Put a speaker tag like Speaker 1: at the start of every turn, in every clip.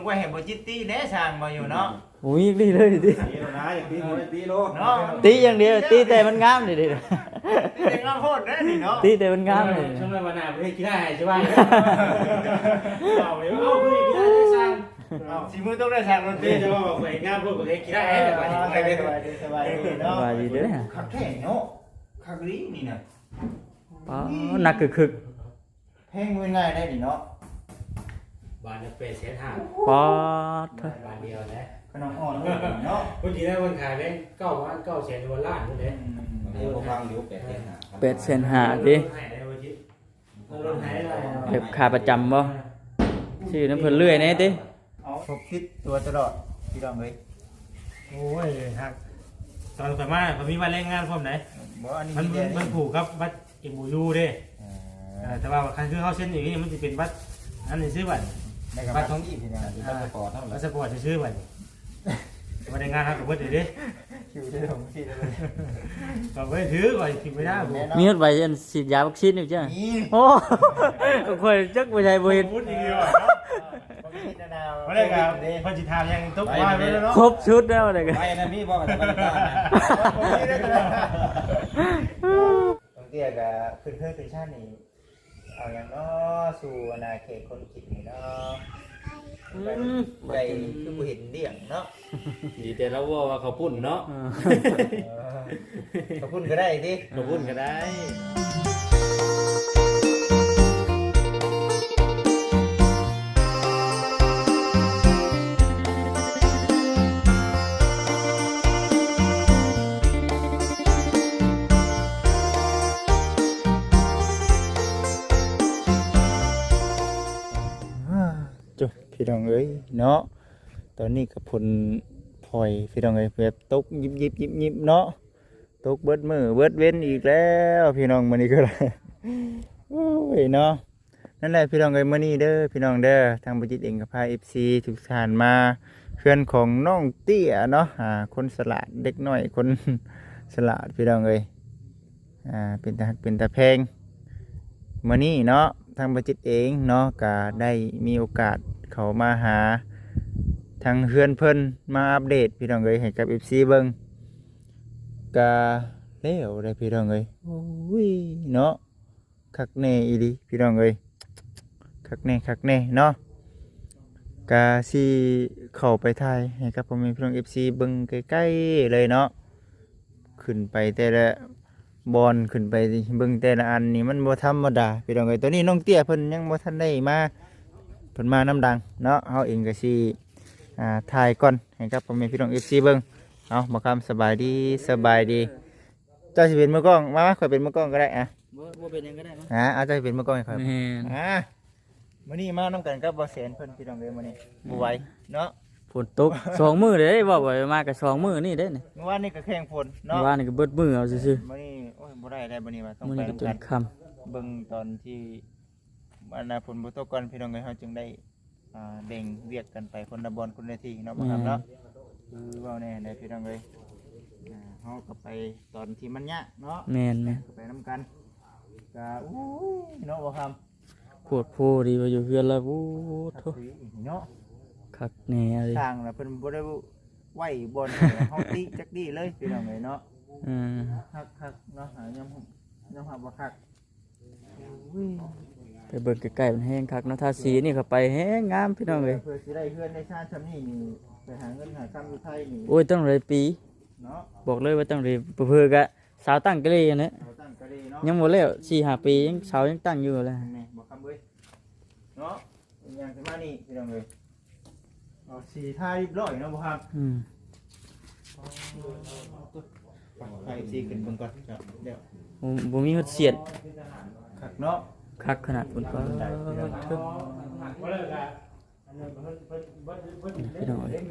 Speaker 1: ไว้ให้บ่จิตตี้แน่สร้างบ่อยู่เนาะ
Speaker 2: โอ้ยดีเลยดิ
Speaker 3: ตีแล้วนะอย่างตีโมได้ตีโล
Speaker 1: เนาะ
Speaker 2: ตีอย่างเดียวตีแต่มันงามดิดิ
Speaker 1: ตีแต่งามโพดเด้อนี่เนาะ
Speaker 2: ตีแต่มันงามเลย
Speaker 4: ช่วงวันหน้าประเทศกีฬาใช่ป่ะเอาไปเอาไปกีฬาได้สร้าง
Speaker 1: เอาสิมือต้องได้สร้างดนตรี
Speaker 4: เดี๋ยวจะบอกไปงานพวกประเทศกีฬาให้แต่ไป
Speaker 1: สบายดีสบายดีเนาะ
Speaker 2: ว่าดีเด้อ
Speaker 1: คักแท้เนาะคักลีนี่น่ะ
Speaker 2: ป๋อหนักคึก
Speaker 1: เพลงง่ายได้นี่เนาะ
Speaker 4: บ้านเป็นเสียทาง
Speaker 2: ๆป๋อเถอะ
Speaker 4: บ้านเดียวนะ
Speaker 1: ขนมอ่อนเลยเนาะ
Speaker 4: คนที่ได้คนขายแบงค์9,900,000ดอลลาร์นี่แหละ
Speaker 3: เดี๋ยวฟังอยู่8เดือนหา
Speaker 2: 8,500,000ดิ
Speaker 4: ให้ได้วันที่รถหายอะไร
Speaker 2: เก็บค่าประจำบ่ชื่อน้ำเพิ่นเรื่อยแน่ติ
Speaker 1: เอาพกติดตัวตลอดพี่น้องเอ้ย
Speaker 4: โอ้ยฮักตอนกลับมาผมมีวันแรงงานพร้อมไหน
Speaker 1: บ่อันนี้
Speaker 4: มันผูกครับวัดอิมูยูเด้แต่ว่าคันคือเขาเส้นอย่างนี้มันจะเป็นวัดอันนี้ซื้อบัตร
Speaker 1: ในกับท้องที่พี่น้อง
Speaker 3: พาสปอร์ตเท่าไหร่
Speaker 4: วัดสปอร์ตจะซื้อบัตรวันแรงงานครับกับเพื่อนเด้
Speaker 1: คิวได้ของที่เลย
Speaker 4: ก็ไม่ถือก่อนกินไม่ได้ผม
Speaker 2: มีฮอดใบอันฉีดยาวัคซีนอยู่จ้ะ
Speaker 1: นี่
Speaker 2: โอ้ค่อยจักบ่ใช่บ่เห็น
Speaker 4: พูดอย่างเดียว
Speaker 1: มา
Speaker 4: มา
Speaker 1: ได้
Speaker 4: ได้
Speaker 1: ค
Speaker 4: ค
Speaker 1: รั
Speaker 4: รั
Speaker 1: บบ
Speaker 4: พอจิตทามยังตุ๊กว่าไปแล้วเนาะ
Speaker 2: ครบชุดแล้วเลยกัน
Speaker 3: ไปนะพี่บอกกับตะวันตก
Speaker 1: ตรงเตี้ยกับขึ้นเครื่องขึ้นชาตินี่เอาอย่างเนาะสู่อาณาเขตคนกินนี่เนาะไปคือบ่เห็นเดี่ยงเนาะ
Speaker 4: ดีแต่เราว่าเขาปุ่นเนาะ
Speaker 1: ขอบคุณก็ได้ดิ
Speaker 4: เขาปุ่นก็ได้
Speaker 1: จุพี่น้องเอ้ยเนาะตอนนี้กับผลพลอยพี่น้องเอ้ยแบบตกยิบเนาะตกเบิดมือเบิดเว้นอีกแล้วพี่น้องมื้อนี้ก็ได้โอ้ยเนาะนั่นแหละพี่น้องเอ้ยมื้อนี้เด้อพี่น้องเด้อทางบัจิตเองก็พา FC ทุกท่านมาเพื่อนของน้องเตี้ยเนาะคนสลาดเด็กน้อยคนสลาดพี่น้องเอ้ยเป็นตาเป็นตาแพงมื้อนี้เนาะทางบัจิตเองเนาะก็ได้มีโอกาสเขามาหาทางเฮือนเพิ่นมาอัปเดตพี่น้องเอ้ยให้กับ FC เบิ่งก็แล้วได้พี่น้องเอ้ยโอ้ยเนาะคักแน่อีหลีพี่น้องเอ้ยคักแน่เนาะก็สิเข้าไปถ่ายให้กับพ่อแม่พี่น้อง FC เบิ่งใกล้ๆเลยเนาะขึ้นไปแต่ละบอลขึ้นไปเบิ่งแต่ละอันนี่มันบ่ธรรมดาพี่น้องเอ้ยตัวนี้น้องเตี้ยเพิ่นยังบ่ทันได้มาเพิ่นมาน้ำดังเนาะเฮาเองก็สิถ่ายก่อนให้กับพ่อแม่พี่น้อง FC เบิ่งเอาบ่คำสบายดีเจ้าสิเป็นมือกล้องมาข่อยเป็นมือกล้องก็ได้
Speaker 2: บ่เป็นหยังก็ได้มั้ง
Speaker 1: เอาเจ้าสิเป็นมือกล้องให้ข่อย
Speaker 2: แม่น
Speaker 1: มื้อนี้มานํกันกับบ่แสนเพิ่นพี่น้องเอ้ยมื้อนี้บ่ไหวเนาะ
Speaker 2: ฝนตก2มื้อเด้บ่บ่มาก็2มื้อนี่เด้นี่
Speaker 1: เมื่อวานนี้ก็แข่งฝน
Speaker 2: เมื่
Speaker 1: เนาะ
Speaker 2: อวานนี่ก็เบิดมื้อเอาซื่อ
Speaker 1: มื้อนี้โอ้ยบ่ได้แล้วมื้อนี้ว่าต้อ
Speaker 2: ๆ
Speaker 1: ง
Speaker 2: มื้อ
Speaker 1: ไป
Speaker 2: นี้ก็
Speaker 1: นํ
Speaker 2: จ
Speaker 1: กัน น
Speaker 2: ค่ำ
Speaker 1: เบิ่งตอนที่อันน่ะฝนบ่ตกก่อนพี่น้องเอ้ยเฮาจึงได้แบ่งเวียกกันไปคนละบอนคนละที่เนาะบ่ครับเนาะคือเว้าแน่ได้พี่น้องเอ้ยเฮาก็ไปตอนที่มันยะเนาะ
Speaker 2: แม่น
Speaker 1: ก็ไปนํกันก็อู้ยเนาะบ่ครับ
Speaker 2: โคตรโพดีว่าอยู่เฮือนแล้วโอ้โถ
Speaker 1: เนาะ
Speaker 2: คักแน่เลย
Speaker 1: สร้างน่ะเพิ่นบ่ได้ไหวบอนเฮาติจักดีเลยพี่น้องเอ้ยเนาะ
Speaker 2: อืม
Speaker 1: คักเนาะยำหับบ่คัก
Speaker 2: ไปเบิ่งใกล้ๆมันแห้งคักเนาะทาสีนี่เข้าไปแห้งงามพี่น้องเอ้ย
Speaker 1: เพื่อสิได้เฮือนได้ชาติซำนี้นี่ไปหาเงินหาคำอยู่ไทยนี่
Speaker 2: โอ้ยต้องเลยปี
Speaker 1: เนาะ
Speaker 2: บอกเลยว่าต้องเลยเพื่อๆกะสาวตั้งกะเลยนะ
Speaker 1: เราตั้งกะดีเนาะ
Speaker 2: ยังบ่แล้ว4-5 ปียังสาวยังตั้งอยู่เลย
Speaker 1: นี่บ่คำเว้ยเนาะเป็นอย่างที่มานี่พี่น้องเอ้ยเอาสีทาเรียบร้อยเนาะบ่ครับ
Speaker 2: อืม
Speaker 1: ไปสีขึ้นเบิ่งก่อนครับเดี๋ยว
Speaker 2: บ่มีฮอดเสียด
Speaker 1: คักเนาะ
Speaker 2: คักขนาดพุ่นก็เทิงพี่น้องเอ้ย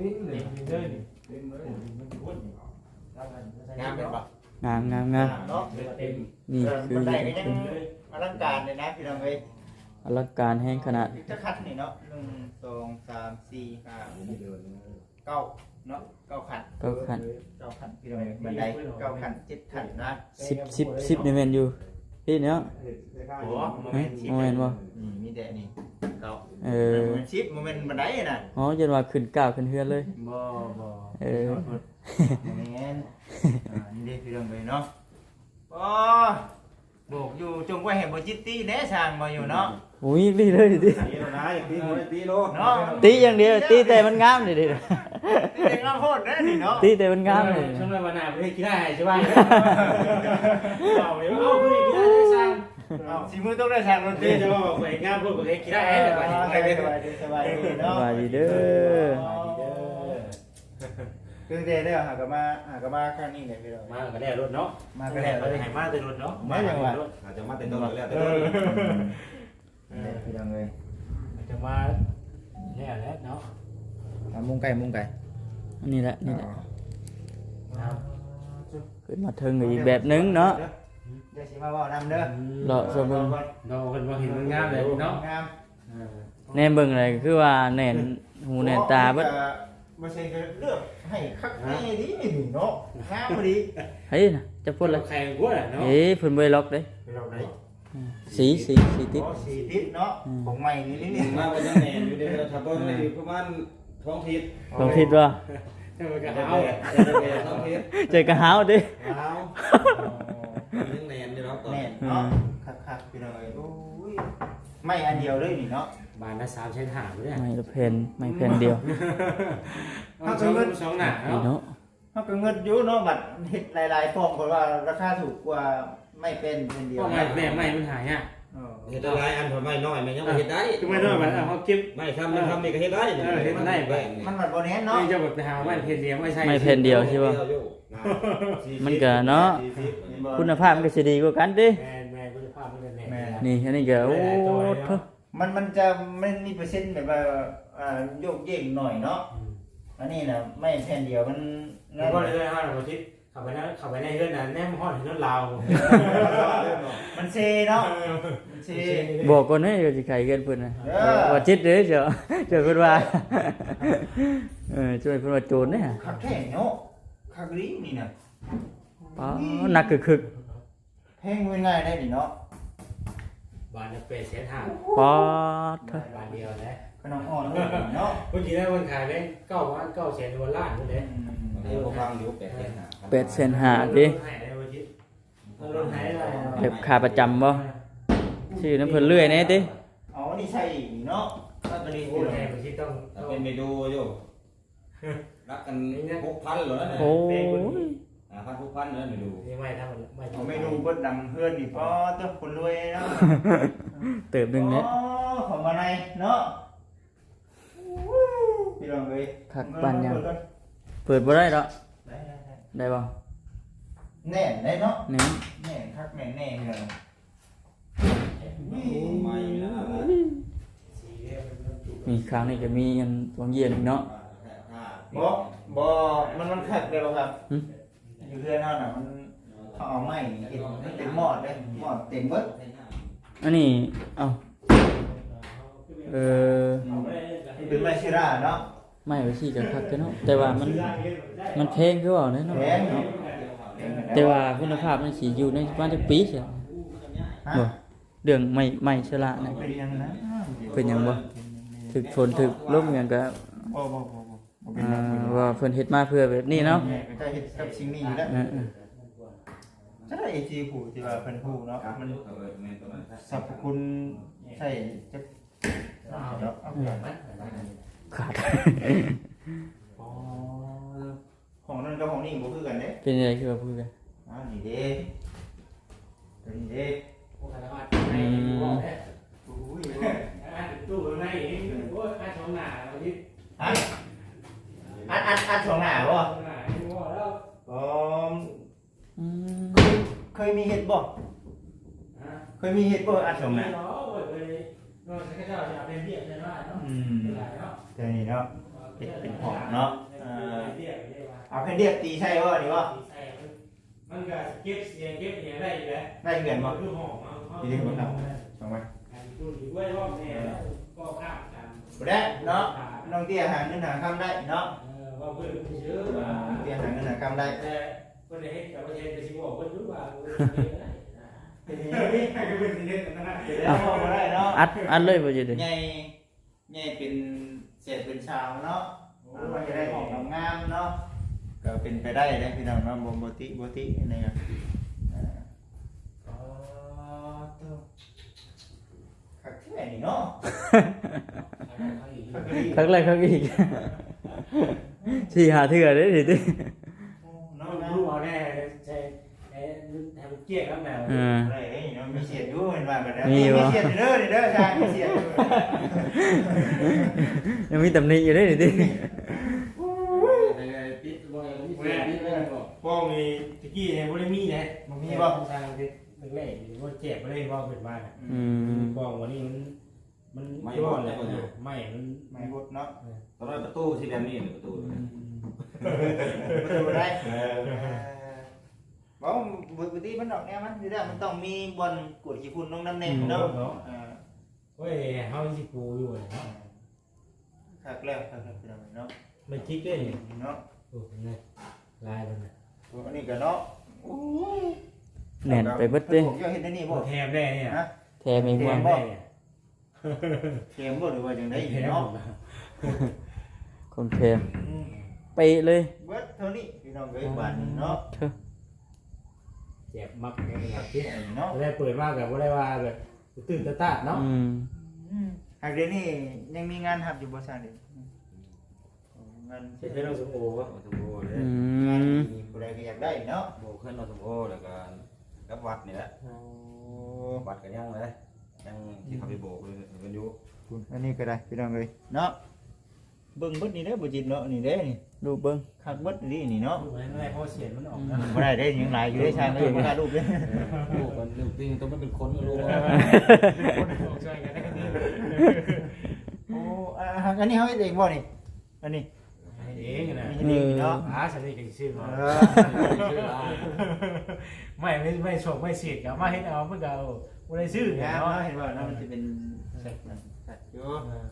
Speaker 3: งามเป็นปะ
Speaker 2: งาม
Speaker 1: เนาะ
Speaker 2: นี่คือ
Speaker 1: บันไดก็ยังอลังการเลยนะพี่น้องเอ้ย
Speaker 2: อลังการแห้งขนาด
Speaker 1: จะคัดนี่เนาะ1 2 3 4 5 9เนาะ9ขัน
Speaker 2: ก็ขัน
Speaker 1: 9ขันพี่น้องเอ้ยบันได9ขัน7ขันนะ
Speaker 2: 10นี่แม่นอยู่พี่เนาะ
Speaker 4: โอ้โมเมนต์ชิป
Speaker 2: โมเมนต์บ่
Speaker 1: นี่มีแต่นี่เก่า
Speaker 2: เออ
Speaker 1: มันชิปมันเป็นบันไดน่ะ
Speaker 2: อ๋อจนว่าขึ้นก้าวขึ้นเฮือนเลย
Speaker 4: บ่บ่
Speaker 2: เออ
Speaker 1: แม่นนี่เด้พี่น้องเอ้ยเนาะอ๋อโบกอยู่จงไว้ให้บ่จิตตี้แน่สร้างบ่อยู่เนาะ
Speaker 2: โอ้ยดีเลยดิ
Speaker 3: ตีแล้วนะอย่าตีโอ้ยตีโล
Speaker 1: เนาะ
Speaker 2: ตีอย่างเดียวตีแต่มันงามดิดิ
Speaker 1: ตีเด็กงามโพดเด้อนี่เนาะ
Speaker 2: ตีแต่มันงามเลย
Speaker 4: ช่วงวันหน้าประเทศกีฬาใช่ป่ะเอาเดี๋ยวเอาคือกีฬาได้สร้าง
Speaker 1: เอาสิมือต้องได้สร้างดนตรี
Speaker 4: เดี๋ยวจะบอกไปงานพวกประเทศกีฬาให้แต่
Speaker 1: ส
Speaker 4: ไป
Speaker 1: บายดีสบายดีเนาะ
Speaker 2: สบายดีเด้อ
Speaker 1: คือเด้อหากนมาครั้งนี้เลยพี่น้อง
Speaker 4: มาก็ได้รถเนาะ
Speaker 1: มาก็ได้
Speaker 4: เราจะให้มาแต่รถเนาะ
Speaker 3: อาจจะมาเต็มตัวแล้วแต่
Speaker 1: พี่น้องเอ้ย
Speaker 4: จะมาแล้วเนาะ
Speaker 1: มุงไก่
Speaker 2: อันนี้แหละนี่แหละขึ้นมาถึงอีกแบบนึงเนาะ
Speaker 1: เดี๋ยวสิมาเว้านำเด้อ
Speaker 2: เลาะชมเบิ่ง
Speaker 4: เราคนว่าเห็นมันงามเลยเนาะ
Speaker 1: งาม
Speaker 2: แน่เบิ่งอะไรคือว่าแน่นหูแน่นตาเบิด
Speaker 1: บ่ใช่ก็เลือกให้คักแน่ดีเนาะงามพอดี
Speaker 2: เฮ้ยน่ะจะพูดอะไร
Speaker 4: ใครกลัวเนาะ
Speaker 2: เอ้ยเพิ่นบ่ได้ล็อกเด้
Speaker 1: พี่น้องได้
Speaker 2: สีติด
Speaker 1: อ๋อสีติดเนาะของใหม่นี่
Speaker 3: มาเป็นยังไงอยู่เดี๋ยวถ้าต้นเลยประมาณท้องทิศ
Speaker 2: ลองคิดว่า
Speaker 4: จะมา
Speaker 3: จะ
Speaker 4: กระ
Speaker 3: เอา
Speaker 4: เอา
Speaker 3: ท้องทิศ
Speaker 2: เจอกระหาวดิ
Speaker 3: เอายังแนนอยู่แล้วก่อน
Speaker 1: แน่เนาะคักๆพี่น้องเอ้ยโอ้ยไม่อันเดียวเลยนี่เนาะ
Speaker 4: บานละ3 ใช้ถามเนี่ย
Speaker 2: ไม่ละเพนไม่เพนเดียว
Speaker 4: เอาสองหน้า
Speaker 2: นี่
Speaker 4: เนาะ
Speaker 2: เนาะ
Speaker 1: เฮาก็เงินอยู่เนาะบัดเฮ็ดหลายๆฟองเพราะว่าราคาถูกกว่าไม่เป็นเดียว
Speaker 4: ก็ไม่แม่ไม่มันหายอ่ะ
Speaker 3: เฮ็ดได้อันพอไม่น้อยมันยังไม่เฮ็ดได้
Speaker 4: คือไม่น้อยมันเขาเก็บ
Speaker 3: ไม่ทำมันทำนี่ก็เฮ็ดได้
Speaker 1: มันบัดบ่แน่นเนาะ
Speaker 4: นี่จะแบบไปหาไม่เพนเดียวไม่ใช่
Speaker 2: ไม่เพนเดียวใช่ป่ะมันก็เนาะคุณภาพมันก็สิดีกว่ากันดิ
Speaker 4: แม่คุณภาพมันแม่
Speaker 2: นี่อันนี้ก็โอ้โถ
Speaker 1: มันจะไม่มีเปอร์เซ็นต์แบบว่าโยกเยกหน่อยเนาะอันนี้น่ะไม่แผ่นเดียวมัน
Speaker 4: แล้วก็เลยห้าเราคิดขับไปในเรื่องนั้นแนมห้องถึงนั้นลาว
Speaker 1: มันเซเนาะมันเซ
Speaker 2: บอกก่อนให้ก็สิไขเกินเพิ่นน่ะว่าจิตเด้อเจ้าเจ้าเพิ่นว่าช่วยเพิ่นว่าโจรเด้อ
Speaker 1: คักแท้เนาะคักลีนี่น่ะ
Speaker 2: ป๋อหนักคึก
Speaker 1: แพงง่ายได้ดิเนาะ
Speaker 4: บานเป็นเสียทาง
Speaker 2: ๆป๋อเถอะ
Speaker 4: บานเดียวนะ
Speaker 1: ขนมอ่อนเลยเนาะ
Speaker 4: เมื่อกี้ได้คนขายแบง9 แสน$1ล้านนี่แหละ
Speaker 3: เดี๋ยวฟังอยู่8
Speaker 2: 8เซนห้าดิ
Speaker 4: หายได้วันที่รถหายได้
Speaker 2: เก็บค่าประจำบ่ชื่อน้ำเพิ่นเรื่อยแน่ติ
Speaker 1: อ๋อนี่ใช่เนาะก็ตัวนี้
Speaker 4: โอ้แหวันที่ต้อง
Speaker 3: เป็นเมนูอยู่รักกัน6,000เลยนะ
Speaker 2: โอ้ย
Speaker 3: 6,000เลยเมนู
Speaker 4: นี่ไม่ถ้ามันไม่
Speaker 1: เอาเมนูเบิดดำเพื่อนนี่พอตัวคนรวยเนาะ
Speaker 2: เติบหนึงเนี่ย
Speaker 1: อ๋อของมาในเนาะพี่ลองเลย
Speaker 2: คักปานยังเปิดบ่ได้ดอกได้บ่
Speaker 1: แน่ได้เนาะ
Speaker 2: นี่
Speaker 1: แน่คักแน่แน่พี่ลอง
Speaker 3: ไม่นะ
Speaker 2: มีครั้งนี้ก็มีอันวางเย็นอีกเนาะ
Speaker 1: บ่มันคักได้บ่ครับอยู่เพื่อนเฮาน่ะมันเขาเอาไม้เฮ็ดให้เต็มหม้อเด้หม้อเต็มเบิด
Speaker 2: อันนี้เอ้าเออ
Speaker 1: เป็นไม้ชิราเนาะ
Speaker 2: ไม่ว่าสิก็คักกันเนาะแต่ว่ามันแพงคือว่าเนาะ
Speaker 1: แพงเนาะ
Speaker 2: แต่ว่าคุณภาพมันสิอยู่ในประมาณจักปีเสีย
Speaker 1: ฮะ
Speaker 2: บ่เรื่องไม่ชะละนะ
Speaker 1: เป็นยังนะ
Speaker 2: เป็นหยังบ่ถึกฝนถึกลมหยังก็
Speaker 1: บ่เป็นยัง
Speaker 2: ว่าเพิ่นเฮ็ดมาเพื่อแบบนี้เนาะ
Speaker 1: ก็เฮ็ดกับสิ่งนี้อยู่แล้ว
Speaker 2: เออ
Speaker 1: ถ้าได้ AG ผู้ที่ว่าเพิ่นฮู้เนาะมันสรรพคุณใช่จะเนาะเอาอย่างนั้น
Speaker 2: ๆขาด
Speaker 1: อ๋อของนั้นกับของนี้บ่คือกันเด้
Speaker 2: เป็นอะไรคือว่าพูดกัน
Speaker 1: นี่เด้ตัวนี้เด้
Speaker 4: โอ้ขนาดไหนบอกแค่
Speaker 1: อุ้ย
Speaker 4: ตู้ไหนเองโอ้ค่าช่องหน้าวันที่
Speaker 1: ฮะอัดสองหน้าบ่
Speaker 4: ช่องหน้าไม่บอกแล้ว
Speaker 1: อ๋อ
Speaker 2: อืม
Speaker 1: เคยมีเฮ็ดบ่เคยมีเฮ็ดบ่อัดสองหน้า
Speaker 4: เนาะเลยนอกจากเจ้าจะเป็นเบี้ยได้เนาะ เนาะ
Speaker 1: เดี๋ยวนี้เนาะเป็นของเนาะ
Speaker 4: เบี้ยได้ว่า
Speaker 1: เอาแผ่นเดียบตีใช่บ่นี่บ่
Speaker 4: มันก็เก็บเสียงเก็บเนี่ยได้อยู่แล้ว
Speaker 1: ได้เงินบ่
Speaker 4: คือห้อง
Speaker 1: ดีๆบ่ครับสองไว้
Speaker 4: ตู้ดีด้วยรอบเนี่ยก็ข้ามกัน
Speaker 1: บ่ได้เนาะน้องเตี้ยหาเงินหาคำได้เนาะ
Speaker 4: ว่าเพื่อนเยอะว่า
Speaker 1: เตี้ยหาเงินหาคำได้
Speaker 4: แต่คนในเหตุการณ์ประเทศจะชิบอกคนรู้ว่า
Speaker 1: บ่ได้เนาะ
Speaker 2: อัดเลยบ่จิเด้
Speaker 1: ใหญ่เป็นเศษเป็นชาวเนาะมันจะได้ของงามๆเนาะก็เป็นไปได้นะพี่น้องเนาะบ่ตินี่ครับคักแท้นี่เนาะ
Speaker 2: ครั้งแรกครั้งอีกสี่หาเถื่อเด้ดิติ
Speaker 4: น้องรู้เอาแน่ใช่ให้มันเกลี้ยงครับแมว
Speaker 1: อะไรเนาะมีเสียดอยู่เห็นว่ากันนะมีเสียดเด้อชายมีเสียด
Speaker 2: ยังมีตำหนิอยู่เด้ดิติ
Speaker 3: ปิดบ่มีเสียงปิดเลยบ่
Speaker 4: ป้องมีตะกี้เนี่ยบ่ได้มีนะมันมีบ่ทางที่แรกๆว่าเจ็บบ่ได้บ่เพิ่นว่าน่ะป้องวันนี้มันย้อนเลยไม่มัน
Speaker 1: ไม่หดเนาะ
Speaker 3: ตอนนั้นประตูที่แบบนี้ประตู
Speaker 1: ประตูได้บ่ปกติมันดอกแนวมันอยู่แล้วมันต้องมีบอลกดขี้ฝุ่นลงน้ำแน่เนาะ
Speaker 4: เฮ้ยเฮาสิปูอยู่เนาะ
Speaker 1: คักแล้วพี่น้องเนาะ
Speaker 4: ไม่จิกเด้
Speaker 1: เนาะ
Speaker 4: โอ้ยลายมันน่ะ
Speaker 1: อันนี้ก็เนาะ
Speaker 2: แน่นไปเบิดเด้
Speaker 1: ผมจะเห็นได้นี่บ่
Speaker 4: แถมได้เนี่ย
Speaker 1: ฮะ
Speaker 2: แท้มีห่วง
Speaker 4: ได้เนี่ย
Speaker 1: เข็มบ่หรือว่าจังได๋
Speaker 4: แถม
Speaker 1: เนาะ
Speaker 2: คนแท้ไปเลย
Speaker 1: เบิดเท่านี้พี่น้องเอ้ยบาดนี้เนาะ
Speaker 2: เถอะ
Speaker 4: เจ็บมักเนี่ยครับที่
Speaker 1: เนาะ
Speaker 4: ได้เปิดมากับบ่ได้ว่าแบบตื่นตาเนาะ
Speaker 1: หากเดี๋ยวนี้ยังมีงานหับอยู่บ่ซั่นเด้งาน
Speaker 4: เฮ็ดให้เราสมโอวะ
Speaker 3: สมโภชเลย
Speaker 1: ผู้ใดก็อยากได้เนาะ
Speaker 3: โบขึ้นเราสมโภชแล้วก็กับวัดนี่แหละวัดกันยังเลยยังที่เขาไปโบกเลยกันอยู่
Speaker 1: อันนี้ก็ได้พี่น้องเอ้ยเนาะเบิ่งเบิดนี่เด้อบ่จิตเนาะนี่เด้นี่
Speaker 2: ดูเบิ่ง
Speaker 1: คักเบิดนี่เนาะ
Speaker 4: รูปนั้นอะไรเพราะเสียงมันออกนะ
Speaker 1: บ่ได้ได้ยังหลายอยู่ได้ช่างเอ้ยบ่กล้ารูปเด้
Speaker 3: โบกกันจริงต้องเป็นคนรู้ว่า
Speaker 4: ช่วยกันได้ก็ดี
Speaker 1: โอ้อันนี้เฮาเฮ็ดเองบ่นี่อันนี้
Speaker 4: เองนะ
Speaker 1: เฮ็ดเองเนาะ
Speaker 4: ฉันนี่ก็ชื่อมาไม่โชคไม่เสียดกับมาให้เอาเมื่อเก่าบ่ได้ชื่อ
Speaker 1: งาม
Speaker 4: เนาะ
Speaker 1: เนาะเห็นบ่เนาะมันจะเป็นสัตว์อยู่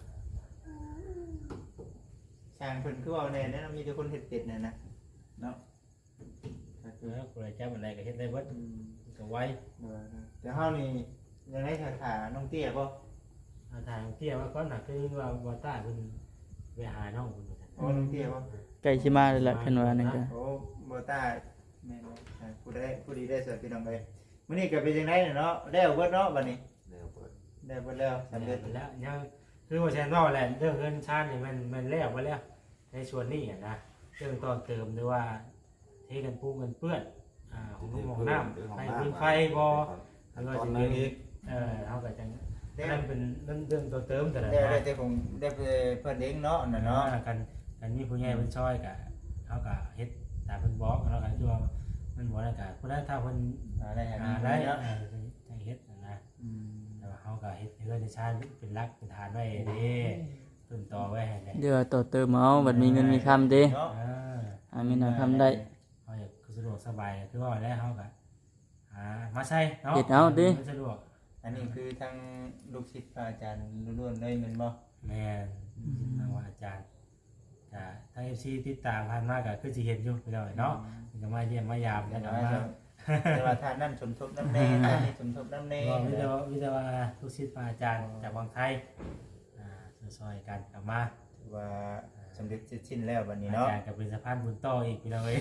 Speaker 1: ช่างเพิ่นคือว่าแน่นะมีแต่คนเฮ็ดเป็ดนั่นนะเนาะ
Speaker 4: กูเลยจับอะไรก็เฮ็ดได้เบิดก็ไว้
Speaker 1: แต่เฮานี่ยังได้สาขาน้องเตี้ยบ่
Speaker 4: ทางเตี้ยว่าก่อนน่ะคือว่าบ่ต้าเพิ่นไปหาน้องเพิ่น
Speaker 1: โอ้น้องเตี้ยบ่
Speaker 2: ใกล้สิมาแล้วล่ะเพิ่นว่านั่นก็
Speaker 1: โอ้บ่ตาแม่นผู้ดีได้สวยพี่น้องเอ้ยมื้อนี้ก็เป็นจังได๋เนาะแล้วเบิดเนาะบัดนี้
Speaker 3: เดี๋ยวเปิด
Speaker 1: ได้เบิดแล้วสำเร็จ
Speaker 4: แล้วยังคือว่าแซนว่าแหละเรื่องเงินชาตินี่มันแล้วมาแล้วในส่วนนี้นะเรื่องตอนเติมหรือว่าเทกันปูกันเปื้อนของลูกของน้ำไฟพื้นไฟบ่หรือว่าจะเป็นเขาก็จังนั่นเป็นเรื่องตัวเติมแต่ละ
Speaker 1: ได้แต่ผมได้เพิ่นเองเนาะนั่นเนาะ
Speaker 4: กันมีผู้ใหญ่เพิ่นช่วยกับเขาก็เฮ็ดตามเพิ่นบอกแล้วก็คือว่ามันบ่ได้ก็ผู้ใดถ้าเพิ่น
Speaker 1: ได้หา
Speaker 4: ได้
Speaker 1: ได้เนาะ
Speaker 4: จังเฮ็ดนะแต่ว่าเขาก็เฮ็ดเรื่องในชาติเป็นรักเป็นฐานไว้เด้ต้นต่อไว้ให้ได้
Speaker 2: เดี๋ยวต่อเติมเอาบัดมีเงินมีคำเด้
Speaker 1: เนาะ
Speaker 2: มีหน่อยคำได้
Speaker 4: เขาอยากสะดวกสบายคือว่าแล้วเขาก็มาใช้เนาะสะดวก
Speaker 1: อันนี้คือทางลูกศิษย์อาจารย์ล้วนๆเลยแม่นบ่
Speaker 4: แม่ทางว่าอาจารย์ก็ทาง FC ติดตามผ่านมาก็คือสิเห็นอยู่พี่น้องเนาะก็มาเยี่ยมมายามแล้วก็มา
Speaker 1: แต่ว่าท่านนั่นสมทบน้ำแน่ท่านนี่สมทบน้ำแน่
Speaker 4: ก็วิจารว่าลูกศิษย์อาจารย์จากวังไทยซอยกันกลับมา
Speaker 1: ว่าสำเร็จเสร็จสิ้นแล้วบัดนี้
Speaker 4: อา
Speaker 1: เนาะ
Speaker 4: จารย์กับเป็นสะพานบุญต่ออีกพี่น้องเอ้ย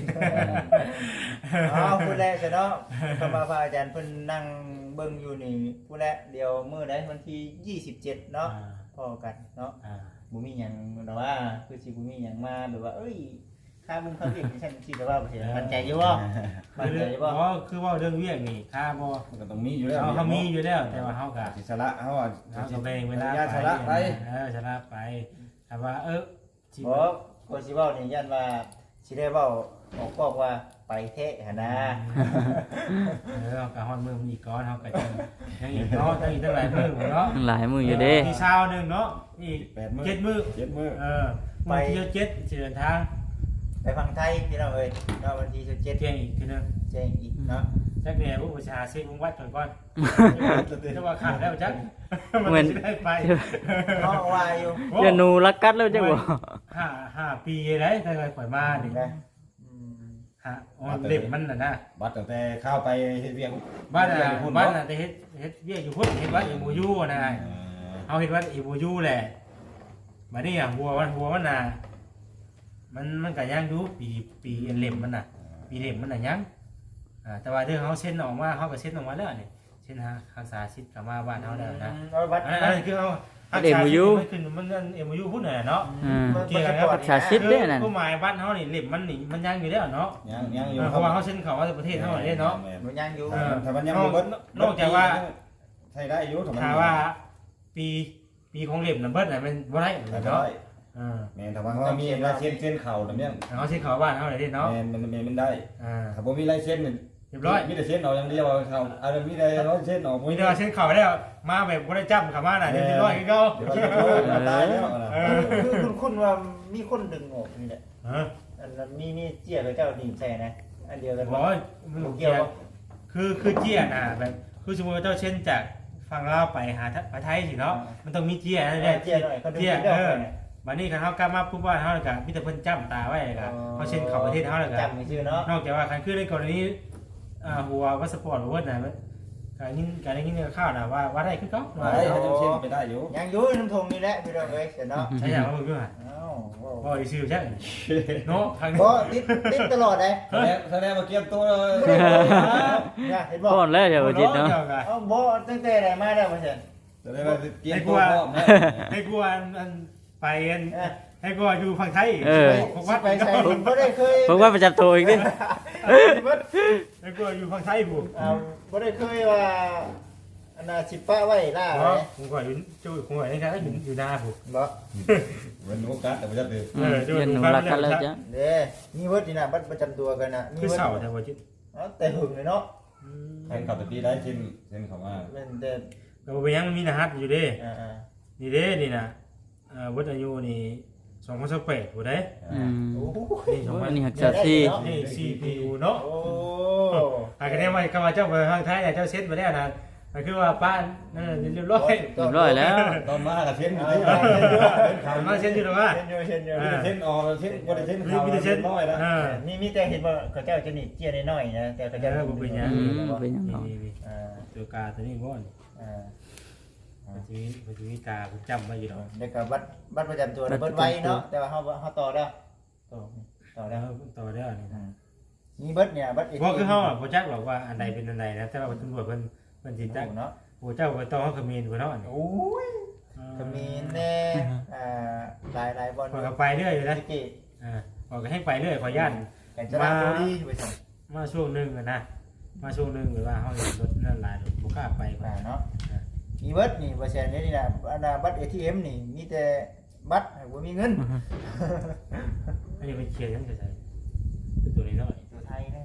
Speaker 1: ผู้แรกซะเนาะก็มาพระอาจารย์เพิ่นนั่งเบิ่งอยู่นี่ผู้แรกเดี๋ยวมื้อใดวันที่27เนาะพอกันเนาะบ่มีหยังแต่ว่าคือสิบ่มีหยังมาแบบว่าเอ้ยค่ามึงเขาเรียกฉันสิแต่ว่าบ่เห็นมั่นใจอยู่บ่มั่นใจอยู่บ่
Speaker 4: คือว่าเรื่องเวียกนี่ค่าบ่
Speaker 3: มันก็ต้องมีอยู่แล้ว
Speaker 4: เขามีอยู่แล้วแต่ว่าเขาก็
Speaker 3: อิสระเขาอ่ะ
Speaker 4: เขาก็แบ่งเวลา
Speaker 3: ชระไป
Speaker 4: ชนะไปแต่ว่าสิ
Speaker 1: บ่ก็สิเว้านี่ยันว่าสิได้เว้าออกบอกว่าไปเทะหั่นนะ
Speaker 4: ก็ฮอดมือมีก้อนเขาก็จะยังอีกเนาะยังอีกตั้งหลายมือเนาะ
Speaker 2: หลายมืออยู่เด้
Speaker 4: มีเช้านึงเนาะอีก
Speaker 3: 8 มื้อ
Speaker 4: 7 มื้อ
Speaker 3: 7 มื้อ
Speaker 4: ไปเที่ยว7เดินทาง
Speaker 1: ไปฟังไทยพี่น้องเอ้ยเนาะวันที่17
Speaker 4: เที่ยงอีกทีนึง
Speaker 1: แจ้งอีกเนาะ
Speaker 4: จักเนี่ยผู้ประชาเช็ควงวัดก่อนจะว่าขาดแล้วจักมันจะได้ไป
Speaker 1: เนาะว่าอยู่
Speaker 2: เดี๋ยวหนูรักกัดแล้วจังบ่
Speaker 4: 5 ปีได้ถ้าเคยปล่อยมาดิ
Speaker 1: นะ
Speaker 4: ฮะเล็บมันน่ะนะ
Speaker 3: บัดตั้งแต่เข้าไปเฮ็ดเวียง
Speaker 4: บ้านน่ะแต่เฮ็ดเวียกอยู่พุ่นเฮ็ดวัดอีโมยูนะเอาเฮ็ดวัดอีโมยูแหละบัดนี้อ่ะหัวมันน่ะมันก็ยังอยู่ปีเล็บมันน่ะปีเล็บมันน่ะยังแต่ว่าเรื่องเฮาเซ็นออกมาเฮาก็เซ็นออกมาแล้วนี่เซ็นรักษาสิทธิ์กลับมาบ้านเฮาแล้วนะ
Speaker 1: วัด
Speaker 4: อันนั้นคือเฮามันขึ้นมันเอ็มยูพุ่นน่ะเนาะ
Speaker 2: รักษาสิทธิ์เด้อนั่น
Speaker 4: ผู้หมายบ้านเฮานี่เล็บมันนี่มันยังอยู่แล้วเนาะ
Speaker 3: ยังอยู่
Speaker 4: เพราะว่าเฮาเซ็นเข้าว่าประเทศเฮาได้เนาะ
Speaker 1: มันยังอยู่
Speaker 3: ถ้ามันยังบ่เบิด
Speaker 4: นอกจากว่า
Speaker 3: ใช้ได้อยู่ถ้ามัน
Speaker 4: ถ้าว่าปีของเล็บน่ะเบิดน่ะมันบ่ได้
Speaker 3: ได้
Speaker 4: เนาะ
Speaker 3: แม่นถ้าว่าเขามีลายเส้นเข่าแบบนี้
Speaker 4: เฮาเซ็นเข้าบ้านเฮาได้เนาะ
Speaker 3: แม่นมันได้ถ้าบ่มีลายเส้น
Speaker 4: เรียบร้อย
Speaker 3: มีแต่เส้นออกอย่างเดียวเขาอะไรมีแต่ร้อยเส้นออก
Speaker 4: มีแต่ว่าเซ็นเข้าแล้วมาแบบบ่ได้จับเข้ามาน่ะเรียบร้อยคือเก่า
Speaker 3: เดี๋ยวเราตายแล้ว
Speaker 1: คือคุณว่ามีคนดึงออกนี่แหละ
Speaker 4: ฮะ
Speaker 1: อันนั้นมีเจี๊ยกับเจ้าดิ่งใส่นะอันเดียวกัน
Speaker 4: บ่มันเกี่ยวคือเจี้ยน่ะแบบคือสมมุติว่าเจ้าเซ็นจากฝั่งลาวไปหาไทยสิเนาะมันต้องมีเจี้ยนั่นแหละ
Speaker 1: เจี๊ยหน่อยเขาดึง
Speaker 4: เจี้ย
Speaker 1: เด้อ
Speaker 4: บัดนี้คันเฮากลับมาปุ๊บว่าเฮาแล้วก็มีแต่เพิ่นจ้ำตาไว้แล้วก็เฮาเซ็นเข้าประเทศเฮาแล้วก็
Speaker 1: จำไม่ชื่อเนาะ
Speaker 4: นอกจากว่าคันคือในกรณีหัววัสปอร์ตหรือว่าน่ะการได้ยินข่าวน่ะว่าได้คือเก่า
Speaker 3: ได้เขาจะเส้นไปได้อยู่
Speaker 1: ยังอยู่น้ำทงนี่แหละพี่น้องเอ้ยเสร็จเนาะ
Speaker 4: ใช่อย่างว่าเพิ่นว่า
Speaker 1: อ้าว
Speaker 4: บ่อีซื่อใช่เนาะทาง
Speaker 1: บ่ติดตลอดเลย
Speaker 3: แสดงมาเกี่ยมตัวเลย
Speaker 1: เห็นบ่
Speaker 2: พ่อนแล้วเดี๋ยวจิตเนาะ
Speaker 1: เอ้าบ่ตั้งแต่ไหนมาแล้วมาเสร็จ
Speaker 3: แสดงมาเกี่ยมตัวพร้อมนะ
Speaker 4: ให้กูอันไปอันให้กูอยู่ฝั่งไทย
Speaker 1: ผมว่าไปใส่ผมบ่ได้เคย
Speaker 2: ผมว่าประจำตัวอีกดิ
Speaker 4: ให้กูอยู่ฝั่งไทยผู้
Speaker 1: บ่ได้เคยว่าอันน่ะสิป้าไว้ล่า
Speaker 4: เนาะ
Speaker 1: ไว้
Speaker 4: ผมก็อยู่ผมก็ในการอยู่หน้าผู้
Speaker 1: บ่
Speaker 3: มันโอกาสแต่ไม่จะตื่น
Speaker 2: ยันหนูรักกันแล้วจ้ะ
Speaker 1: เด้มีเวิร์ดนี่น่ะบัตรประจำตัวกันน่ะมี
Speaker 4: คือ
Speaker 1: เวิร์ด
Speaker 4: เสาแต่ว่าจิต
Speaker 1: แต่หึงเลยเนาะ
Speaker 3: แทนขับไปตีได้เส้นเขามา
Speaker 1: แม่นแต่
Speaker 4: ก็บ่ยังมันมีรหัสอยู่เด้
Speaker 1: อ่า
Speaker 4: นี่เด้นี่น่ะวัดอายุนี่2028ผู้ใด
Speaker 1: โอ้โห
Speaker 4: นี่
Speaker 2: อันนี้
Speaker 4: 2000
Speaker 2: หักษาที่
Speaker 4: นี่ CPU เนาะ
Speaker 1: โอ้
Speaker 4: หากแน่ว่าคำว่าเจ้าไปทางไทยเจ้าเซ็ตมาแล้วนะมันคือว่าป้านนั่นเรียบร้อย
Speaker 2: เรียบร้อยแล้ว
Speaker 3: ตอนมากับเส้นอยู่ที่
Speaker 4: มาเซ็ตอยู่หรอวะ
Speaker 1: เช่นอยู่
Speaker 3: เส้นออกเส้นบริเส้นเขาเส้นน้อยแล้ว
Speaker 1: มีแต่เห็นว่าเขาเจ้าจะนี่เจียน้อยๆนะแต่เขาเจ้า
Speaker 2: เป็นยังเนาะ
Speaker 4: ตัวกาตัวนี้บ่อนมันจะมีกาผมจำไว้อยู่หรอก
Speaker 1: เด็กกับบัตรประจำตัวเบิดไว้เนาะแต่ว่าเขาต่อแล้วต่อ
Speaker 4: แล้
Speaker 1: แล้ว ว
Speaker 4: ต่อได้นี่
Speaker 1: มีเบิดเนี่ยบัตร
Speaker 4: เพราะคือเขาอ่ะโปรจักหรอกว่าอันใดเป็นอันใดนะแต่ว่าตำรวจเพิ่นจิตจัก
Speaker 1: เนาะ
Speaker 4: โอ้เจ้าไปต้องเขาขมิ้นเนาะ
Speaker 1: โอ้ยก็มีแน่หลายบอล
Speaker 4: พอเขาไปเรื่อยเลยนะ
Speaker 1: กิ
Speaker 4: พอก็ให้ไปเรื่อยขอย่าน
Speaker 1: กันจะรับดีไปส่ง
Speaker 4: มาช่วงนึงนะมาช่วงนึงหรือว่าเขาเห็นรถนั่นหลายรถบุกล้าไป
Speaker 1: เนาะมีเบิร์ดนี่เปอร์เซ็นต์นี่นะบัตร ATM นี่มีแต่บัตรบ่มีเงิน
Speaker 4: อันนี้เป็นเขียนยังจะใส่ตัวนี้หน่อย
Speaker 1: ตัวไทยแน่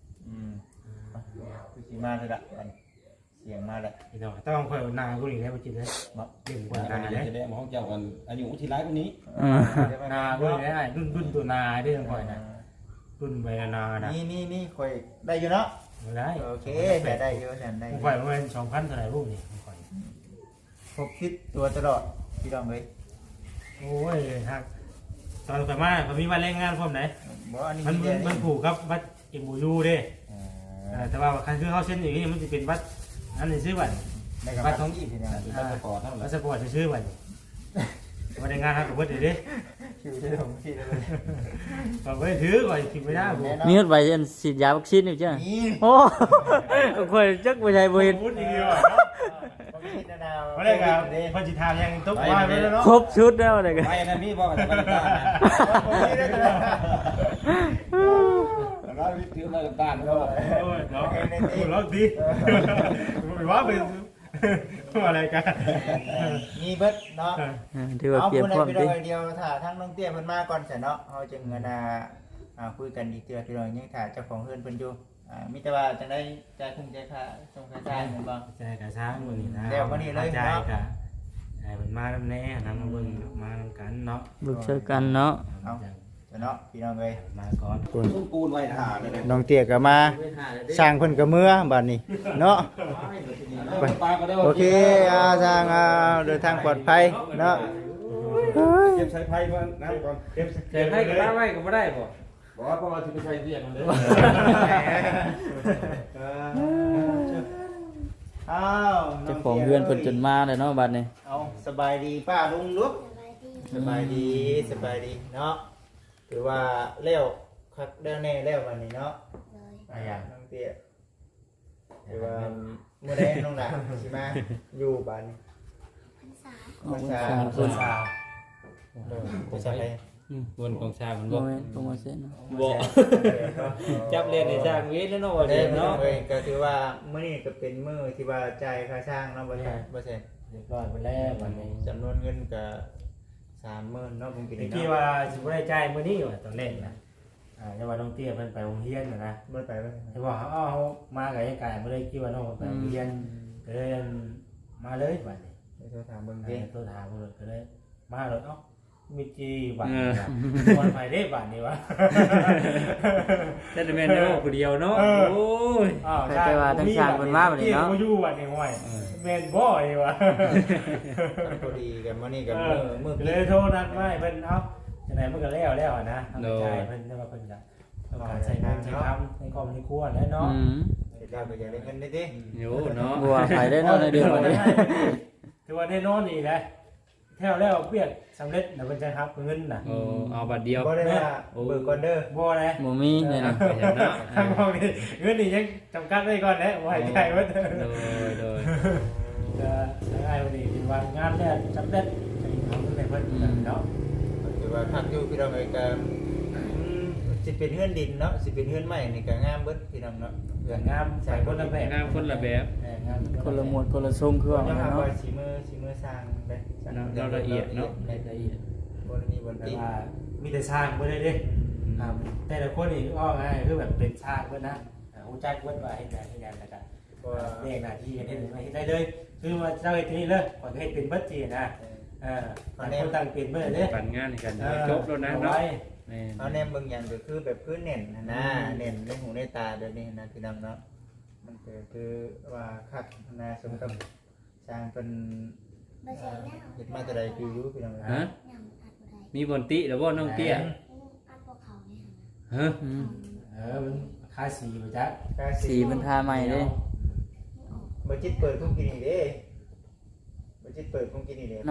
Speaker 1: คือสีมาเลยละเสียงมาเลย
Speaker 4: นี่ต้องต้องคอยนากูนี่แล้วไปกินเลยเรื่องกว่านา
Speaker 3: จะได้มองเจ้ากันอายุที่ร้ายกว่านี้
Speaker 4: นากูนี่ได้รุ่นตัวนาได้ยังคอยนะรุ่นใบนานะ
Speaker 1: นี่คอยได้อยู่เนาะ
Speaker 4: ได้
Speaker 1: โอเคได้อยู่ฉันได้
Speaker 4: ผมคอยประมาณ2,000เท่าไหร่รูปนี่ผมคอย
Speaker 1: พกคิดตัวตลอดพี่น้องเลย
Speaker 4: โอ้ยฮักตอนไปมาผมมีวันแรงงานพร้อมไหน
Speaker 1: บ่อันนี้
Speaker 4: มันผูกครับบัตรเอ็มบูยูเด้แต่ว่าคันคือเขาเส้นอย่างนี้มันจะเป็นบัตรอันนี้ซื้อบัตร
Speaker 1: บัตรท้องที่พี่น้อง
Speaker 3: เป็นพาสปอร์ตเท่าไหร่
Speaker 4: บัตรสปอร์ตซื้อบัตรวันแรงงานครับผมว่าเดี๋ยวดิ
Speaker 1: คิวจะลงที่เลย
Speaker 4: ผมไม่ถือก่อนกินไม่ได้ผม
Speaker 2: มีรถใบยันฉีดยาวัคซีนอยู่จ้ะ
Speaker 1: นี่
Speaker 2: โอ้คอยจักบ่ใช่บ่เห็น
Speaker 4: พูดดีๆว่ะ
Speaker 1: มา
Speaker 4: มา
Speaker 1: ได้
Speaker 4: ได้
Speaker 1: ค
Speaker 4: กั
Speaker 1: รั
Speaker 4: บบ พอจิตทามยังตุ๊กมาไปแล้วเนาะ
Speaker 2: ครบชุดแล้วเลยกัน
Speaker 3: ไปนะพี่บอกกันไปตาเราถือมาตาแล้ว
Speaker 4: โอ้ยเนาะพูดแล้วดีไม่ว่าเป็นอะไรกัน
Speaker 1: มีเบิดเนาะ
Speaker 2: ถือว่า
Speaker 1: เอา
Speaker 2: เก็บ
Speaker 1: คน
Speaker 2: พร้อม
Speaker 1: ไป
Speaker 2: ติ
Speaker 1: เดียวถ้าทั้งน้องเตี้ยเพิ่นมาก่อนเสร็จเนาะเฮาจึงคุยกันอีกเทื่อพี่น้องยังถ้าเจ้าของเฮือนเพิ่นอยู่มีแต่ว่าจังได๋จ่ายคงจ่ายค่าส่งค่าจ่ายแม่นบ่
Speaker 4: ใจกับช้างวันนี้นะใจกับไอ้มันมาแล้วแน่นำมาเบิ่งมากันเนาะ
Speaker 2: บึกเจอกันเนาะ
Speaker 1: เอาเนาะพี่น้องเอ้ย
Speaker 4: มาก่อน
Speaker 3: ต้นปูนไว้ถ่าเลย
Speaker 1: น้องเตี้ยก็มาสร้างเพิ่นก็เมื่อบัดนี้เนาะโอเคสร้างเดินทางปลอดภัยเนาะ
Speaker 3: เก็บสายไฟมาน้ำก่อนเก็บ
Speaker 4: เก็บให้กับไว้ก็บ่ได้บ่
Speaker 2: บอกว่าเพราะว่าที่ไปใช้เรียกมันเลย
Speaker 1: อ้าว
Speaker 5: เจ้าของเฮือนเพิ่นจนมาเลยเนาะบัดนี้
Speaker 1: เอาสบายดีป้าลุงลุก
Speaker 6: สบายดี
Speaker 1: สบายดีเนาะถือว่าเลี้ยวคักแล้วแน่แล้ววันนี้เนาะ
Speaker 6: เลย
Speaker 1: น้องเตี้ยถือว่าเมื่อใดน้องหลานสิมาอยู่บ้านนี้
Speaker 6: พรรษา
Speaker 1: ภาษา
Speaker 5: เพิ่น
Speaker 1: ภาษาอะไร
Speaker 2: บนของชามัน
Speaker 5: บ่
Speaker 2: บ่
Speaker 5: แม่นโปรโมชั่นเนาะ
Speaker 2: บ่จับเล่นในชางเวทแล้วเนาะว่า
Speaker 1: เด้
Speaker 2: เล่น
Speaker 1: เนาะ
Speaker 2: เนาะ
Speaker 1: ก็ถือว่ามื้อนี้ก็เป็นมื้อที่ว่าจ่ายค่าช่างเนาะบ่ใช่
Speaker 4: เรียบร้อยไปแล้ววันนี้
Speaker 1: จำนวนเงินก็30,000เนาะผมกิน
Speaker 4: ตะ
Speaker 1: เนาะ
Speaker 4: กี้ว่าสิบ่ได้จ่ายมื้อนี้ว่าตอนแรกนะแต่ว่าน้องเตี้ยเพิ่นไปโรงเรียนนะ
Speaker 1: บ่ไปบ่
Speaker 4: เห็นว่าเขาเอามากับไอ้กายบ่ได้คิดว่าน้องไปโรงเรียนก็เลยมาเลยบัดนี้
Speaker 1: ไปโทรถามเบิ่ง
Speaker 4: เด็
Speaker 1: ดิ
Speaker 4: กตัวถามเพิ่นก็เลยมาเลยเอ้ามีจีบัดนี้วันไปได้บัดนี้วะ
Speaker 2: แต่แม่นเนาะผู้เดียวเนาะโอ้ย
Speaker 5: แต่ว่าทั้งสร้างเพิ่นมาบัดนี้เนาะ
Speaker 4: ที่อยู่บัดนี้ห้อยแม่นบ่นี่วะ
Speaker 1: พอดีกันมื้อนี้ก็มื้อ
Speaker 4: เล
Speaker 1: กิน
Speaker 4: ยโทรนัดมาให้เพิ่นเอ้าจังได๋มันก็แล้วนะทำใจเพิ่นแต่ว่าเพิ่นก็ต้องการใช้เงินใช้คำในครอบในครัวแล้วเนาะ
Speaker 5: อืม
Speaker 1: เฮ็ดแล้วก็อยากได้เงินได้ดิ
Speaker 2: โยเนาะ
Speaker 5: บัวไปได้เนาะในเดือนบัดนี้
Speaker 4: ถือว่าแน่นอนนี่แหละแถวแล้วเปียกสำเร็จนะเพิ่นจะรับเงินน่ะ
Speaker 2: โอ้เอาบัตรเดียว
Speaker 1: บ่ได้ว่าเบิกก่อนเด้อ
Speaker 4: บ่เลย
Speaker 5: บ่มีเนี่ยนะ
Speaker 2: ไปเนาะ
Speaker 4: ทางเรานี่เงินนี่ยังจำกัดไว้ก่อนแหละบ่ให้ใจไว้เด้อ
Speaker 2: โดย
Speaker 4: ได้วันนี้เป็นวันงานแรกสำเร็จให้ทำให้เพิ่นเนาะ
Speaker 1: ถือว่าคักอยู่พี่น้องเอ้ยก็สิเป็นเฮือนดินเนาะสิเป็นเฮือนใหม่นี่ก็งามเบิดพี่น้องเนาะ
Speaker 4: เรื่องงามใส่คนละแบบ
Speaker 2: งามคนละแบบ
Speaker 4: งาม
Speaker 5: คนละหมวดคนละทรงเครื่อง
Speaker 1: ยั
Speaker 5: เนาะ
Speaker 1: งหาว่าสีมือสร้างเด้
Speaker 2: เราละเอียดเนาะ
Speaker 1: ละเอียดบ่ได้มีบ่
Speaker 4: แต่
Speaker 1: ติ
Speaker 4: ว่ามีแต่สร้างบ่ได้เด้แต่ละคนนี่อ้อง่ายคือแบบเป็นสร้างเพิ่นนะฮู้จักเพิ่นว่าเฮ็ดงานแล้วก็เรียกหน้าที่เฮ็ดได้เลยคือว่าเจ้าเฮ็ดนี่เลยขอเฮ็ดเป็นเบิดจีนะต่างคนต่างเป็นเบิดเด้
Speaker 2: ปั่นงานให้กันจบแล้วนะเนาะแม่
Speaker 1: เอาแนมเบิ่งหยังก็คือแบบคือเน้นนะเน้นในหูในตาแบบนี้นะพี่น้องเนาะมันก็คือว่าคักนะสมกับสร้างเป็น
Speaker 6: บ่ใช่แล้ว
Speaker 1: เฮ็ดมาแต่ใดคืออยู่พี่น้อง
Speaker 2: ฮะ
Speaker 6: ยังอัดบ่ได้
Speaker 2: มีบนติแล้วบ่น้องเตี้ย
Speaker 6: อัดบ่เข้าเนี่ย
Speaker 2: ฮะ
Speaker 5: อืม
Speaker 4: มันค่าสีบ่จัก
Speaker 5: สีมันทาใหม่เด้
Speaker 1: บ่จิตเปิดคุกกินนี่เด้บ่จิตเปิดคุกกินนี่เด้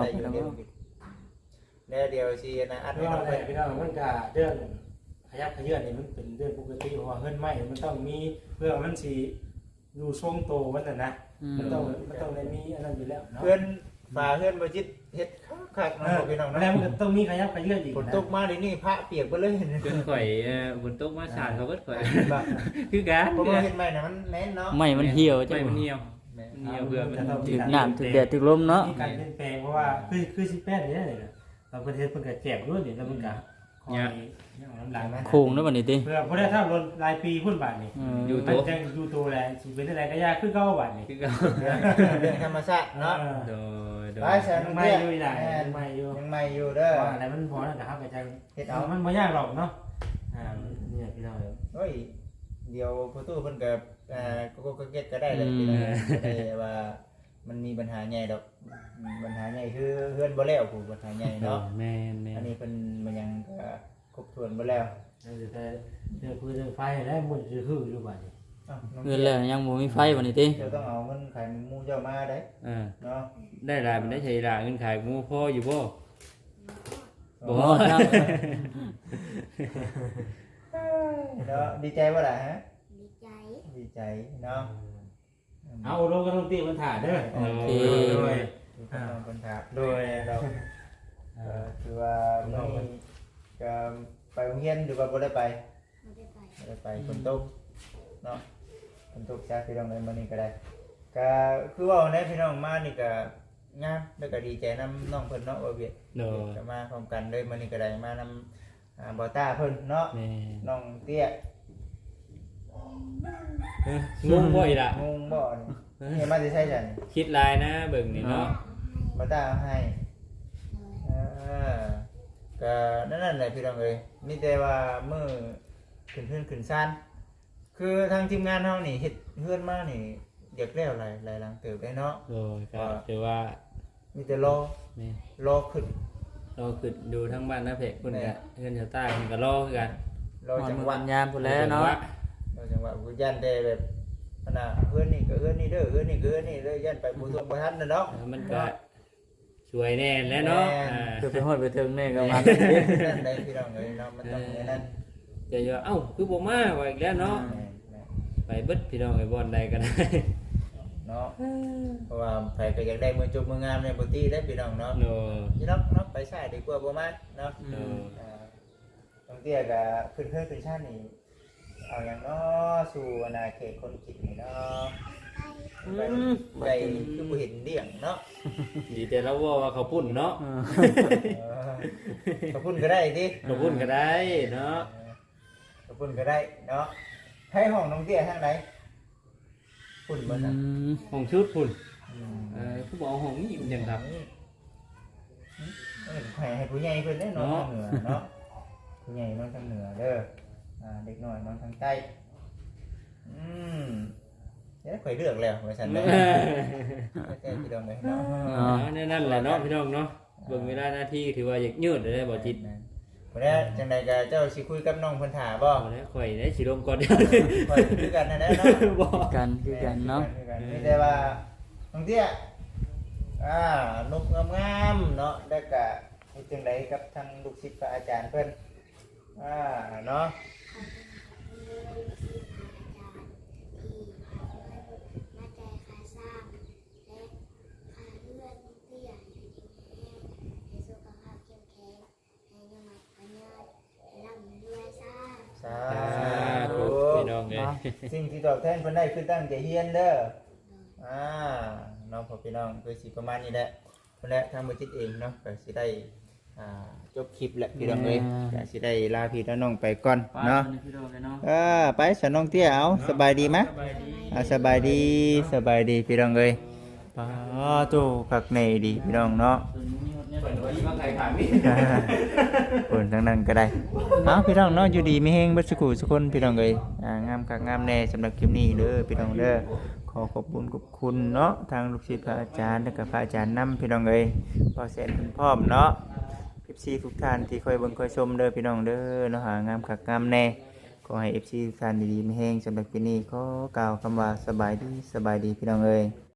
Speaker 1: แล้วเดี๋ยวสินะอัด
Speaker 4: พี่
Speaker 1: ให้
Speaker 4: น้
Speaker 1: น้
Speaker 4: อ
Speaker 1: อง ง
Speaker 4: เล
Speaker 1: ไป
Speaker 4: ยพี่น้องมันก็เรื่องขยับขยื่นนี่มันเป็นเรื่องปกติเพราะว่าเฮือนใหม่มันต้องมีเพื่อมันสิอยู่ทรงโตมันน่ะนะ
Speaker 5: อืม
Speaker 4: มันต้องได้มีอันนั้นอยู่แล้วเนาะ
Speaker 1: เพื่อนฝาเพื่อนบ่จิตเฮ็ดคักๆเนาะพี่น้อง
Speaker 4: แล้ว
Speaker 1: เนาะ
Speaker 4: มันก็ต้องมีขยับขยื่นอีก
Speaker 1: ฝนตกมาดินี่พระเปียกไปเลย
Speaker 2: เพิ่นข่อยบนโต๊ะมาสาดเขาก็ข่อย
Speaker 1: บ่
Speaker 2: คือกัน
Speaker 1: เพราะว่าเฮ็ดใหม่น่ะมันแน่นเนาะ
Speaker 5: ไม่มันเหี่ยวจั
Speaker 2: ไม่
Speaker 5: ง
Speaker 2: มันเหี่ยวเหี่ยวเบื่อมัน
Speaker 5: ถึกน้ำถึกแดดถึกลมเนาะ
Speaker 4: มีการเปลี่ยนแปลงเพราะว่าคือสิแป้นนี่นี่นะตอนประเทศเพิ่นก็แจกด้วยนี่แล้วมันก็คอยน้ำหลังนะ
Speaker 5: โค้งเนาะบัดนี้ติ
Speaker 4: เพื่อบ่ได้ถ้ารถรายปีพุ่นบาทนี่
Speaker 5: อืม
Speaker 2: อยู่
Speaker 4: มันจังอยู่ตัวแลสิเป็นอะไรก็ยากคือเก่าบาทนี่
Speaker 2: คือกัน
Speaker 1: เรื่องธรรมชาติเนาะ
Speaker 2: โดย
Speaker 1: ไปแสน
Speaker 4: ยัง
Speaker 1: เตี้
Speaker 4: ไม่
Speaker 1: ย
Speaker 4: อยู่อีหลายยังไม่อยู่
Speaker 1: ยังใหม่อยู่เด้อ
Speaker 4: ว่าอะไรมันพอแล้วนะครับอาจารย์
Speaker 1: เฮ็ดเอา
Speaker 4: มันบ่ยากหรอกเนาะเนี่ยพี่น้อง
Speaker 1: โอ้ยเดี๋ยวพ่อตู้เพิ่นก็ก็เก็ตก็ได้เลยพี่น้องได้ว่ามันมีปัญหาใหญ่ดอกปัญหาใหญ่คือเฮือนบ่แล้วผู้ปัญหาใหญ่เนาะ
Speaker 2: แม่น
Speaker 1: อันนี้เพิ่นมันยังก็ครบถ้วนบ่แล้ว
Speaker 4: แต่เรื่องพื้นเรื่องไฟแล้วมันจะฮืออยู่บาดนี้
Speaker 5: เงินแล้วยังบ่มีไฟบัดนี้ติ
Speaker 1: เดี๋ยวต้องเอาเงินขายหมูเจ้ามาได้ เนาะ
Speaker 2: ได้รายมันได้ใช้รายเงินขายหมูพ่ออยู่บ่
Speaker 5: บ่ครับ
Speaker 1: เนาะดีใจบ่ล่ะฮะ
Speaker 6: ดีใจ
Speaker 1: ดีใจเนาะ
Speaker 4: เอาลงก็ต้องตีมันถ่าเด้อ
Speaker 5: โอเค
Speaker 1: โดยคนถามโดยเราคือว่ามื้อนี้ก็ไปโรงเรียนหรือว่าบ่ได้ไป
Speaker 6: บ่ได้ไป
Speaker 1: บ่ได้ไปฝนตกเนาะฝนตกจ้าพี่น้องเลยมื้อนี้ก็ได้ก็คือว่าในพี่น้องมานี่ก็งามแล้วก็ดีใจนํน้องเพิ่นเนาะว่าเวียด
Speaker 2: โดย
Speaker 1: ก็มาพร้อมกันเลยมื้อนี้ก็ได้มานำบ่ต้าเพิ่นเนาะ
Speaker 2: แม่
Speaker 1: น้องเตี้ย
Speaker 2: งงบ่อีล่ะ
Speaker 1: งงบ่นี่มาสิใช่จัง
Speaker 2: คิดลายนะเบิ่งนี่เนาะ
Speaker 1: บ่ต้าเอาให้
Speaker 6: เลย
Speaker 1: ก็นั่นแหละพี่น้องเอ้ยมีแต่ว่ามื้อขึ้นเฮือนขึ้นศาลคือทางทีมงานเฮานี่เฮ็ดเฮือนมานี่อยากแล้วหลายหลังเติบได้เนาะ
Speaker 2: โดยก็ถือว่า
Speaker 1: มีแต่รอ
Speaker 2: แม่
Speaker 1: รอขึ้น
Speaker 2: เราคือดูทั้งบ้านนะเพกคุณกะเงินชาวใต้คุณก็รอคือกัน
Speaker 1: รอ
Speaker 5: หอน
Speaker 1: จัง
Speaker 5: มือ
Speaker 1: หวะ
Speaker 5: วันยามพุ่นแล้วเนาะ
Speaker 1: รอจังหวะกูยันได้แบบอันน่ะเฮือนนี่ก็เฮือนนี่เด้อเฮือนนี่ก็เฮือนนี่เลยยันไปบ่ทรงบ่ทันน่ะเนาะ
Speaker 4: มันก็ช่วยแน่แล้วเนาะ
Speaker 5: คือไปฮอดไปถึงนี่ก็มา
Speaker 1: นั่นได้พี่น้องเอ้ยเนาะมันต้องอย่างนั้น
Speaker 4: จะว่าเอ้าคือบ่มาว่าอีกแล้วเนาะไปเบิดพี่น้องไอ้บอลใดก็ได้
Speaker 1: เนาะเพราะว่าไผก็อยากได้มือจบมืองามในบ่ตีได้พี่น้องเนาะ
Speaker 4: โน
Speaker 1: พี่น้องเนาะไปใช้ดีกว่าบ่มาเนาะ
Speaker 4: โน
Speaker 1: บางเตี้ยก็ขึ้นขึ้นชาตินี่เอาอย่างเนาะสู่อนาเขตคนกินนี่เนาะใจคือบ่เห็นเดี่ยงเนาะ
Speaker 4: ดีแต่เราว่าเขาพุ่นเนาะ
Speaker 1: กระพุ่นก็ได้ดิ
Speaker 4: เขาพุ่นก็ได้เนาะ
Speaker 1: กระพุ่นก็ได้เนาะให้ห้องน้องเตี้ยทางไหนพุ่นบ่ซั่น
Speaker 4: ห้องชุดพุ่นผู้บอกห้องนี้มันยังครับ
Speaker 1: ให้ผู้ใหญ่เพิ่นได้นอนทางเหนือเนาะผู้ใหญ่นอนทางเหนือเด้อเด็กน้อยนอนทางใต้เดี๋ยวข่อยเลือกแล้วว่าซั่นเด้อแท้พี่น้องเอ้ยเนาะ
Speaker 4: นั่นแหละเนาะพี่น้องเนาะเบิ่งเวลาหน้าที่ถือว่าอยากยืดได้บ่จิต
Speaker 1: วันนี้จังใดก็เจ้าสิคุยกับน้องเพิ่นถาบ่
Speaker 4: เอาแล้วข่อยได้สิลงก่อนเดียว
Speaker 1: ข่อยคือกันนั่นแหละเนาะ
Speaker 4: บ่
Speaker 5: คือกันเนาะ
Speaker 1: มีแต่ว่าน้องเตี้ยนกงามๆเนาะแล้วก็เฮ็ดจังไดกับทางลูกศิษย์พระอาจารย์เพิ่นเนาะ
Speaker 6: มาใจขาสร้างและขาเลื่อนเตี้ยให้สุขภาพเข้มแข็งให้ยมัดปัญญาให้ร่ำด้วยสร้าง
Speaker 1: สา
Speaker 4: ธุ
Speaker 1: ธุ
Speaker 4: พี่น้องเอ้ย
Speaker 1: สิ่งที่ตอบแทนเพิ่นได้คือตั้งใจเรียนเด้อน้องพ่อพี่น้องคือสิประมาณนี้แหละเพิ่นแหละทางบ่จิตเองเนาะก็สิได้จบคลิปแหละพี่น้องเอ้ยก็สิได้ลาพี่และน้องไปก่อนเนาะ
Speaker 5: พี่น้องเลยเนาะ
Speaker 1: ไปสน้องเตี้ยเอาสบายดีไหมสบายดีสบายดีพี่น้องเอ้ยป้าโตคักในดีพี่น้องเนาะ คนทั้งนั้นก็ได้เอาพี่น้องเนาะอยู่ดีไม่แห้งเบัดสักครู่สักคนพี่น้องเอ้ยงามคักงามแน่สำหรับคลิปนี้เด้อพี่น้องเด้อขอขอบคุณขอบคุณเนาะทางลูกศิษย์พระอาจารย์และก็พระอาจารย์นำพี่น้องเอ้ยพอแสนเพิ่นพร้อมเนาะFC ทุกท่านที่คอยเบิ่งคอยชมเด้อพี่น้องเด้อเนาะงามคักงามแน่ขอให้ FC ทุกท่านดีๆไม่แห้งสำหรับคลิปนี้ขอกล่าวคำว่าสบายดีพี่น้องเอ้ย